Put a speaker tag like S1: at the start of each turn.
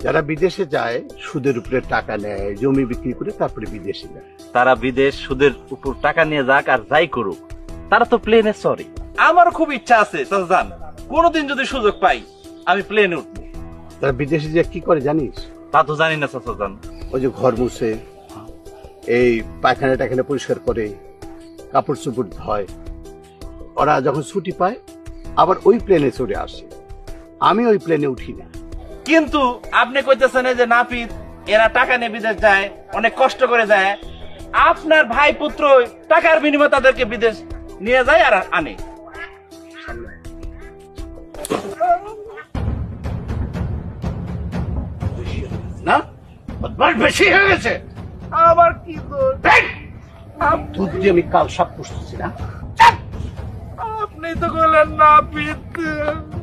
S1: যারা বিদেশে যায় সুদের উপরে টাকা নেয়, জমি বিক্রি করে তারপরে বিদেশে যায়।
S2: তারা বিদেশ সুদের উপর টাকা নিয়ে যাক আর যাই করুক, তারা তো প্লেনে সরি। আমার খুব ইচ্ছা আছে চাচা যান, কোনোদিন যদি সুযোগ পাই আমি প্লেনে উঠবো।
S1: তারা বিদেশে যে কি করে জানিস?
S2: তা তো জানি না চাচা যান।
S1: ওই যে ঘর মুছে, এই পায়খানা টাখানা পরিষ্কার করে, কাপড় চোপড় ধয়। ওরা যখন ছুটি পায় আবার ওই প্লেনে চড়ে আসে। আমি ওই প্লেনে উঠি না।
S2: কিন্তু আপনি কইতেছেন যে নাপিত এরা টাকা নিয়ে বিদেশ যায়, অনেক কষ্ট করে যায়। আপনার ভাই পুত্র টাকার বিনিময়ে তাদেরকে বিদেশ নিয়ে যায় আর আনে।
S1: না, বদমাশ বেশি হয়ে গেছে।
S2: আবার কি দোষ?
S1: দুধ দিয়ে আমি কাল সব পুষতেছি না।
S2: আপনি তো বললেন নাপিত